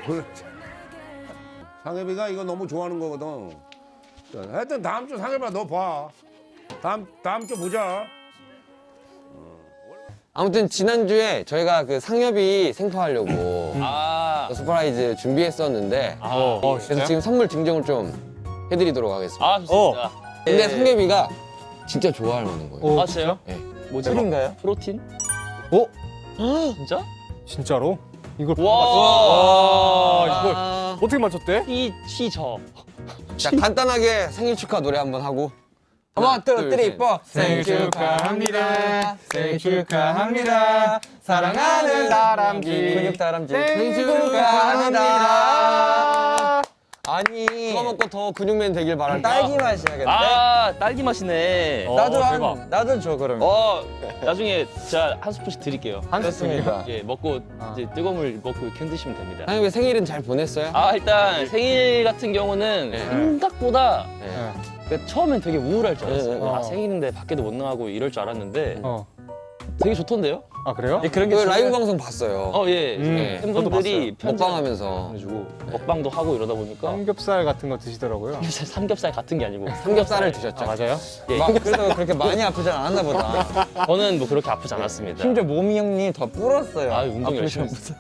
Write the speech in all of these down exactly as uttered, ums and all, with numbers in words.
그래. 상엽이가 이거 너무 좋아하는 거거든. 하여튼 다음 주 상엽아 너 봐. 다음 다음 주 보자. 아무튼 지난주에 저희가 그 상엽이 생파하려고 아, 서프라이즈 준비했었는데 아, 그래서 지금 선물 증정을 좀 해드리도록 하겠습니다. 아 좋습니다. 근데 예. 상엽이가 진짜 좋아할 만한 거예요. 아 진짜요? 네. 뭐죠? 술인가요? 프로틴? 어? 진짜? 진짜로? 이걸 와, 와, 이걸 아, 어떻게 맞췄대? 이 시저. 자 간단하게 생일 축하 노래 한번 하고 하나 둘셋 뽀 생일 축하합니다. 생일 축하합니다. 사랑하는 다람쥐. 근육 다람쥐 생일 축하합니다. 아니 그거 먹고 더 근육맨 되길 바랄 딸기 맛이야겠네. 아, 딸기 맛이네. 어, 나도 대박. 한 나도 줘 그러면. 어, 나중에 제가 한 스푼씩 드릴게요. 한 스푼입니다. 예, 먹고 이제 뜨거운 물 먹고 이렇게 흔드시면 됩니다. 상엽이 생일은 잘 보냈어요? 아, 일단 생일 같은 경우는 네. 생각보다 네. 그 처음엔 되게 우울할 줄 알았어요. 네, 네. 아, 생일인데 밖에도 못 나가고 이럴 줄 알았는데 어. 되게 좋던데요? 아 그래요? 그런 게 라이브 방송 봤어요. 어, 예. 음, 네. 팬분들이 먹방하면서 편지해가지고 먹방도 하고 이러다 보니까 삼겹살 같은 거 드시더라고요. 삼겹살, 삼겹살 같은 게 아니고 삼겹살을 드셨죠. 아 맞아요? 예, 막 그래도 그렇게 많이 아프지 않았나 보다. 저는 뭐 그렇게 아프지 않았습니다. 심지어 몸이 형님 더 불었어요. 아, 운동 열심히 했어요.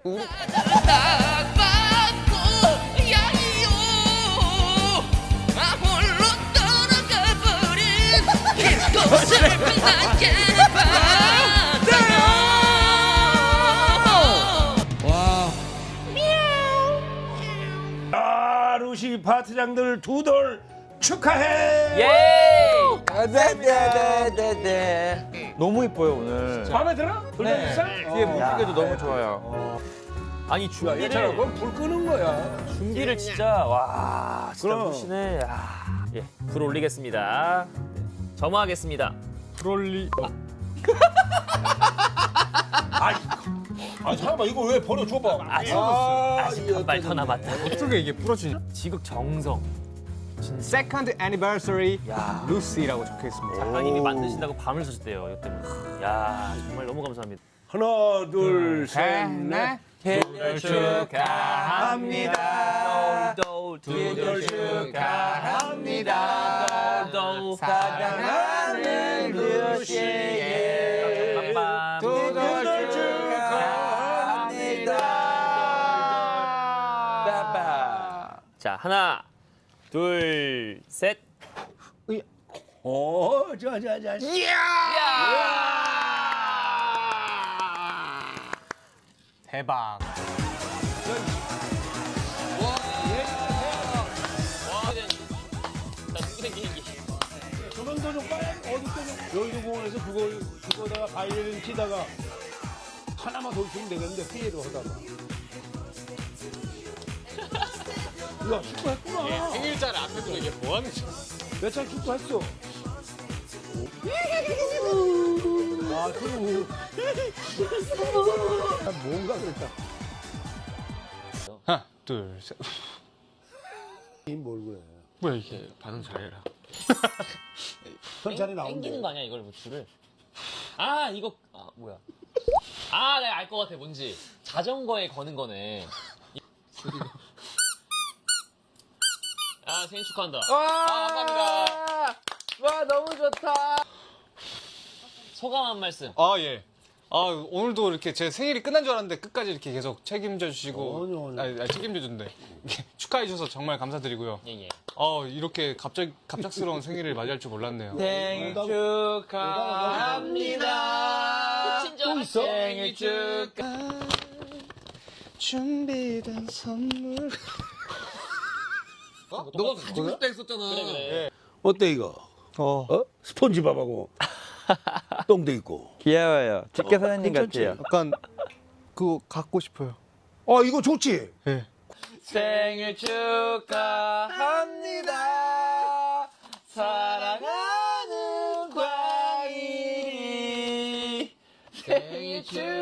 와. 아 루시 파트장들 두 돌 축하해. 예! 네네네네. 너무 이뻐요 오늘. 마음에 들어? 돌려주세요. 뒤에 무지개도 너무 좋아요. 아니 야, 준비를 얘처럼 그럼 불 끄는 거야. 준비를 진짜 와 진짜 그럼. 멋지네. 아, 예, 불 올리겠습니다. 점화하겠습니다. 브롤리. 아, 아 잠깐만 이거 왜 버려 줘봐. 아직 아, 아직 한 발 더 남았다. 어떻게 이게 부러지냐? 지극 정성. Second Anniversary 루시라고 적혀 있습니다. 작가님이 만드신다고 밤을 새셨대요. 이것 때문에. 야 정말 너무 감사합니다. 하나 둘 셋 넷. 생일 축하합니다. 두돌 축하합니다. 돌 사랑하는 루시의 두돌 축하합니다. 빠빠. 자 하나 둘 셋. 어, 자자자. 대박. 조명도 좀 빨리 어디 또 여의도 공원에서 그거 그거다가 바이올린 치다가 하나만 더 있으면 되겠는데 피해로 하다가. 야 축구했구나. 생일자를 앞에 두고 이게 뭐 하는 거야? 몇살 축구했어. 아, 그리고 뭔가 그랬다. 하나, 둘, 셋. 뭘 그래? 뭐야 이게? 반응 잘해라. 천천히 나오면 땡기는 돼. 거 아니야 이걸 뭐 줄을? 아 이거 아 뭐야? 아 내가 알 것 같아 뭔지 자전거에 거는 거네. 아 생일 축하한다. 아 감사합니다. 와 너무 좋다. 소감 한 말씀. 아 예. 아 오늘도 이렇게 제 생일이 끝난 줄 알았는데 끝까지 이렇게 계속 책임져 주시고 아니요, 아니요. 아니, 아니, 책임져 준대. 축하해 주셔서 정말 감사드리고요. 예예. 어 이렇게 갑자기 갑작스러운 생일을 맞이할 줄 몰랐네요. 생일 축하합니다. 친절. 생일 축하. 준비된 선물. 너가 가지고 싶다 했었잖아. 그래 그래. 어때 이거? 어 어? 스폰지밥하고 똥도 있고. 귀여워요. 직계 사장님 괜찮지? 같아요. 약간 그거 갖고 싶어요. 어 이거 좋지? 네. 생일 축하합니다. 사랑하는 과일이 생일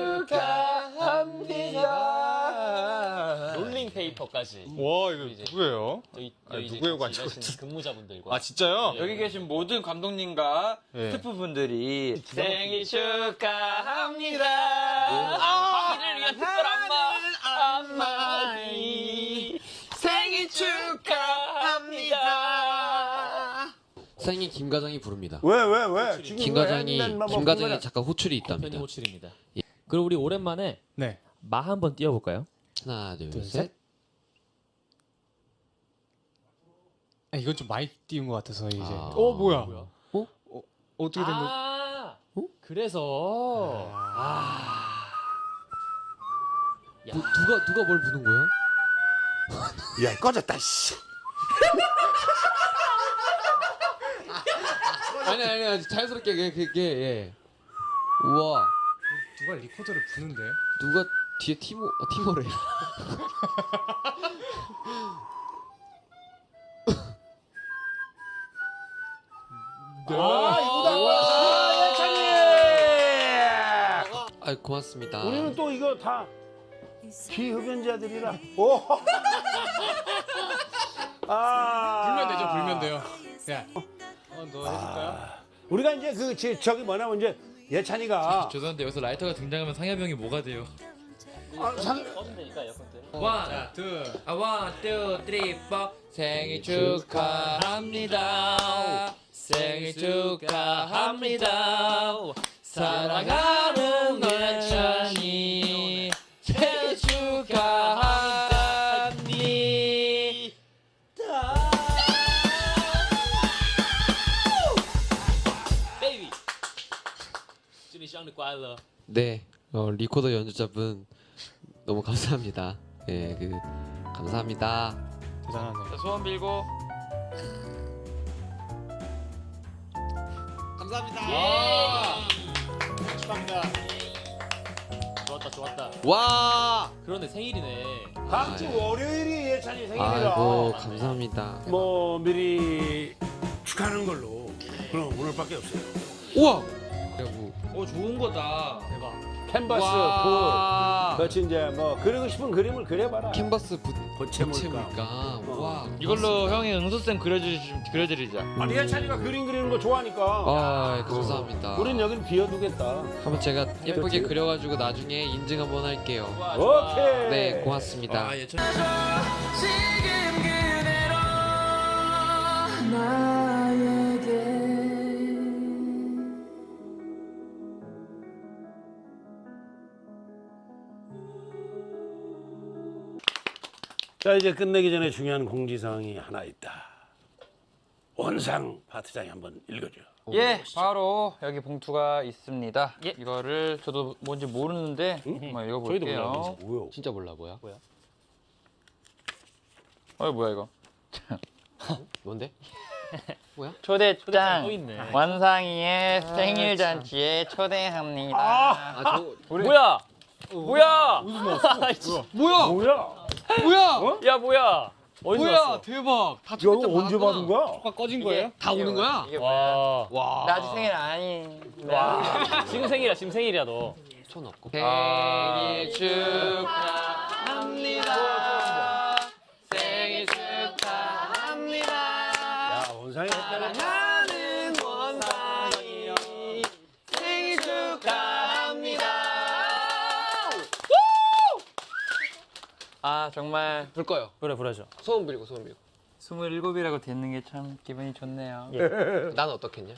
축하합니다. 롤링 페이퍼까지. 와 이거 이제- 누구예요? 저희 아, 저희 이제 누구예요가 같이 아니고 일하시는 근무자분들과. 아 진짜요? 여기 계신 모든 감독님과 네. 스태프분들이 생일 축하합니다. 과일을 위한 특별 안마. 많이 생일 축하합니다. 생일 김과장이 부릅니다. 왜 왜 왜? 지금 김과장이 왜 맨날 뭐 김과장이 그거냐? 잠깐 호출이 편이 있답니다. 호출입니다. 예. 그럼 우리 오랜만에 네. 마 한번 띄워볼까요? 하나, 둘, 둘, 셋. 셋. 아, 이건 좀 많이 띄운 것 같아서 이제. 아. 어 뭐야? 뭐야? 어? 어, 어떻게 된 거? 아, 어? 그래서 아, 야, 뭐, 누가 누가 뭘 부는 거야? 야 꺼졌다 씨. 아니 아니 아니 자연스럽게 그게 그게 예. 우와 누가 리코더를 부는데? 누가 뒤에 티모 어, 티모래. 아 이거다. 아, 예찬이. 아 고맙습니다. 우리는 또 이거 다 비흡연자들이라. 오. 아. 불면 되죠, 불면 돼요. 야, 어, 너 해줄까요? 우리가 이제 그 지- 저기 뭐냐면 이제 예찬이가 죄송한데 여기서 라이터가 등장하면 상엽이 형이 뭐가 돼요? 아, 상, 꺼면 되니까 에어컨 때. 원, 자, 둘. 아, 원, 투, 쓰리, 포. 생일 축하합니다. 생일 축하합니다. 사랑하는 예찬이 생일 축하합니다. 베이비.祝你生日快乐. 네, 어, 리코더 연주자분 너무 감사합니다. 예, 그 감사합니다. 대단하네. 자, 소원 빌고. 축하합니다. 좋았다, 좋았다. 와, 그런데 생일이네. 다음 주 월요일이 예찬이 생일이라. 아이고 감사합니다. 뭐 미리 축하하는 걸로. 그럼 오늘밖에 없어요. 우와, 뭐, 오, 좋은 거다. 대박. 캔버스, 와, 볼, 그렇지 이제 뭐 그리고 싶은 그림을 그려봐라. 캔버스 부, 고체물감. 고체물감. 와, 이걸로 형이 응수쌤 그려주 그려드리자. 아니 예찬이가 그림 그리는 거 좋아하니까. 아, 감사합니다. 우린 여기는 비워두겠다. 한번 제가 예쁘게 그렇지? 그려가지고 나중에 인증 한번 할게요. 좋아, 좋아. 오케이. 네, 고맙습니다. 아, 예찬. 자 이제 끝내기 전에 중요한 공지사항이 하나 있다. 원상 파트장이 한번 읽어줘. 예, 바로 여기 봉투가 있습니다. 이거를 저도 뭔지 모르는데 한번 읽어볼게요. 뭐요? 진짜 몰라 뭐야? 어, 뭐야 이거? 뭔데? 초대장 또 있네. 원상이의 생일 잔치에 초대합니다. 아, 저 뭐야? 뭐야? 뭐야? 뭐야? 뭐야? 야, 뭐야? 어디서 뭐야? 왔어? 대박. 다 야, 초대장 이거 언제 받았구나. 받은 거야? 가 꺼진 이게- 거예요? 다 오는 거야? 이게 뭐야? 와. 와. 나 아직 생일 아니. 와. 지금 생일이야, 지금 생일이야, 너. 손 없고. 생일 축하합니다. 생일 축하합니다. 야 원상이 했다는 나는 원상이 생일 축하합니다. 아 정말 불 꺼요. 그래, 부르죠. 소원 빌고 소원 빌고. 스물일곱이라고 듣는 게 참 기분이 좋네요. 나는 어떻겠냐?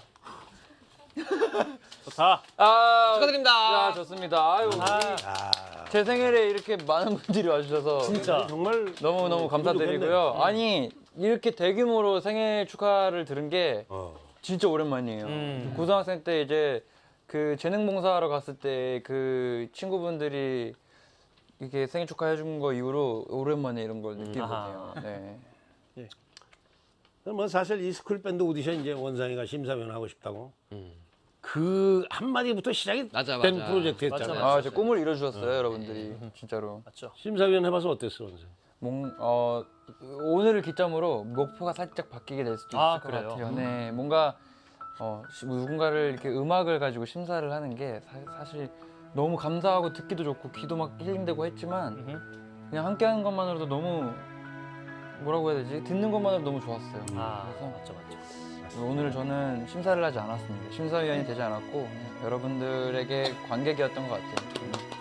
좋다. 아 축하드립니다. 아, 좋습니다. 아유, 제 생일에 이렇게 많은 분들이 와주셔서 진짜. 정말 너무 너무 감사드리고요. 아니 이렇게 대규모로 생일 축하를 들은 게 어. 진짜 오랜만이에요. 음. 고등학생 때 이제 그 재능봉사하러 갔을 때 그 친구분들이 이렇게 생일 축하해 준 거 이후로 오랜만에 이런 걸 느끼게 아하. 되네요. 네. 뭐 사실 이 스쿨 밴드 오디션 이제 원상이가 심사위원 하고 싶다고 음. 그 한마디부터 시작이 맞아, 된 맞아. 프로젝트였잖아요. 맞아, 아, 제 꿈을 이뤄주셨어요, 여러분들이 진짜로. 맞죠? 심사위원 해봐서 어땠어 원상? 뭔, 어, 오늘을 기점으로 목표가 살짝 바뀌게 될 수도 있을 아, 것 그래요? 같아요. 네, 뭔가 어, 시- 누군가를 이렇게 음악을 가지고 심사를 하는 게 사, 실 너무 감사하고 듣기도 좋고 귀도 막 힐링되고 했지만 그냥 함께하는 것만으로도 너무 뭐라고 해야 되지? 듣는 것만으로도 너무 좋았어요. 아, 그래서 맞죠, 맞죠. 오늘 저는 심사를 하지 않았습니다. 심사위원이 되지 않았고 그냥 여러분들에게 관객이었던 것 같아요.